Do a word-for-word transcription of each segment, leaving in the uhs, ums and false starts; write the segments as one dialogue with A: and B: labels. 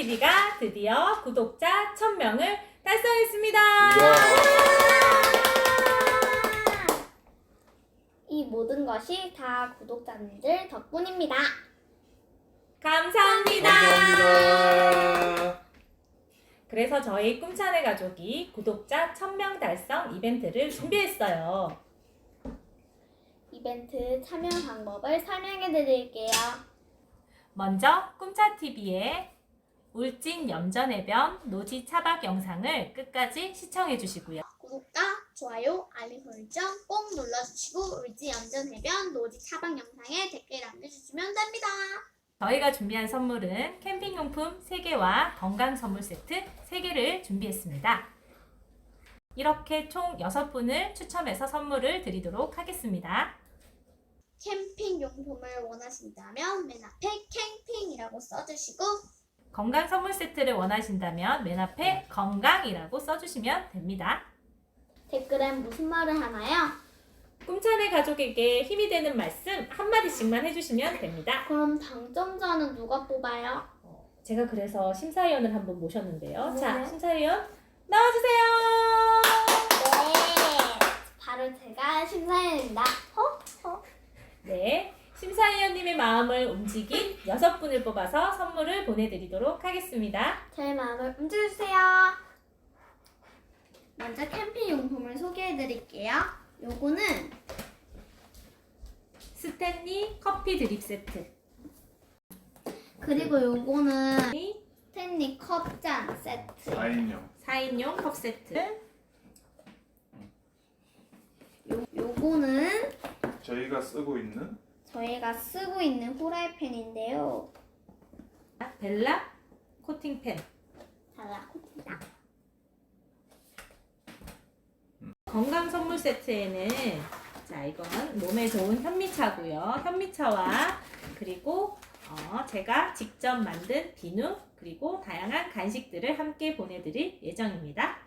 A: 꿈차티비가 드디어 구독자 천 명을 달성했습니다.
B: 이 모든 것이 다 구독자님들 덕분입니다.
A: 감사합니다.
C: 감사합니다.
A: 그래서 저희 꿈찬의 가족이 구독자 천 명 달성 이벤트를 준비했어요.
B: 이벤트 참여 방법을 설명해 드릴게요.
A: 먼저 꿈차티비의 울진 염전해변 노지 차박 영상을 끝까지 시청해 주시고요.
B: 구독과 좋아요, 알림 설정 꼭 눌러주시고 울지 염전해변 노지 차박 영상에 댓글 남겨주시면 됩니다.
A: 저희가 준비한 선물은 캠핑용품 세 개와 건강 선물 세트 세 개를 준비했습니다. 이렇게 총 여섯 분을 추첨해서 선물을 드리도록 하겠습니다.
B: 캠핑 용품을 원하신다면 맨 앞에 캠핑이라고 써주시고
A: 건강 선물 세트를 원하신다면 맨 앞에 건강이라고 써주시면 됩니다.
B: 댓글엔 무슨 말을 하나요?
A: 꿈찬의 가족에게 힘이 되는 말씀 한마디씩만 해주시면 됩니다.
B: 그럼 당첨자는 누가 뽑아요?
A: 어, 제가 그래서 심사위원을 한번 모셨는데요.
B: 네.
A: 자, 심사위원 나와주세요.
B: 네, 바로 제가 심사위원입니다. 어? 어?
A: 네, 심사위원님의 마음을 움직인 여섯 분을 뽑아서 선물을 보내드리도록 하겠습니다.
B: 제 마음을 움직여주세요. 먼저 캠핑 용품을 소개해드릴게요. 요거는
A: 스탠리 커피 드립 세트,
B: 그리고 요거는 스탠리 컵잔 세트.
C: 사 인용.
A: 사 인용 컵 세트,
B: 요, 요거는
C: 저희가 쓰고 있는
B: 저희가 쓰고 있는 후라이팬인데요.
A: 벨라 코팅팬,
B: 달라붙니다.
A: 건강 선물 세트에는 자 이건 몸에 좋은 현미차고요. 현미차와 그리고 어, 제가 직접 만든 비누 그리고 다양한 간식들을 함께 보내드릴 예정입니다.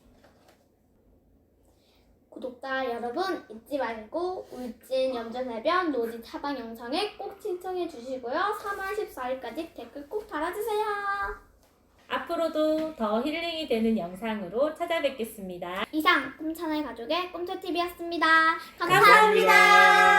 B: 구독자 여러분 잊지 말고 울진 염전해변 노지 차박 영상에 꼭 신청해 주시고요. 삼월 십사일까지 댓글 꼭 달아주세요.
A: 앞으로도 더 힐링이 되는 영상으로 찾아뵙겠습니다.
B: 이상 꿈찬의 가족의 꿈초티비였습니다. 감사합니다.
A: 감사합니다.